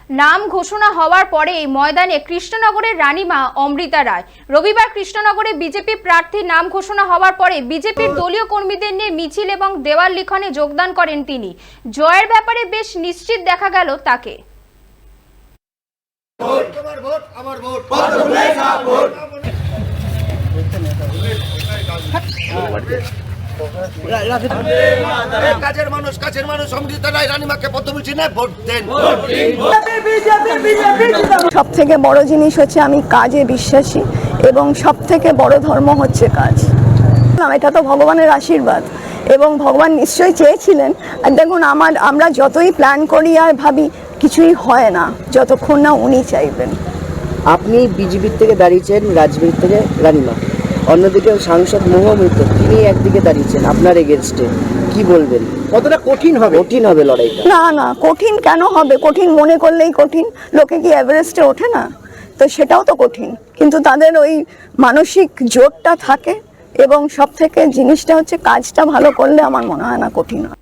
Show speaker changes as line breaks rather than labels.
নাম ঘোষণা হওয়ার পরেই ময়দানে কৃষ্ণনগরের রানীমা অমৃতা রায়। রবিবার কৃষ্ণনগরে বিজেপি প্রার্থীর নাম ঘোষণা হওয়ার পরে বিজেপির দলীয় কর্মীদের নিয়ে মিছিল এবং দেওয়াল লিখনে যোগদান করেন তিনি। জয়ের ব্যাপারে বেশ নিশ্চিত দেখা গেল তাকে।
সব থেকে বড় জিনিস হচ্ছে আমি কাজে বিশ্বাসী এবং সব থেকে বড় ধর্ম হচ্ছে কাজ। এটা তো ভগবানের আশীর্বাদ এবং ভগবান নিশ্চয়ই চেয়েছিলেন। আর দেখুন আমরা যতই প্ল্যান করি আর ভাবি কিছুই হয় না যতক্ষণ না উনি চাইবেন।
আপনি বিজেপির থেকে দাঁড়িয়েছেন, রাজবীর থেকে রানীমা, অন্যদিকে সাংসদ মহামিত্র তিনি একদিকে দাঁড়িয়েছেন আপনার এগেনস্টে, কি বলবেন? কতটা কঠিন হবে লড়াইটা?
না কঠিন কেন হবে? কঠিন মনে করলেই কঠিন। লোকে কি এভারেস্টে ওঠে না? তো সেটাও তো কঠিন, কিন্তু তাদের ওই মানসিক জোরটা থাকে এবং সব থেকে জিনিসটা হচ্ছে কাজটা ভালো করলে আমার মনে হয় না কঠিন হয়।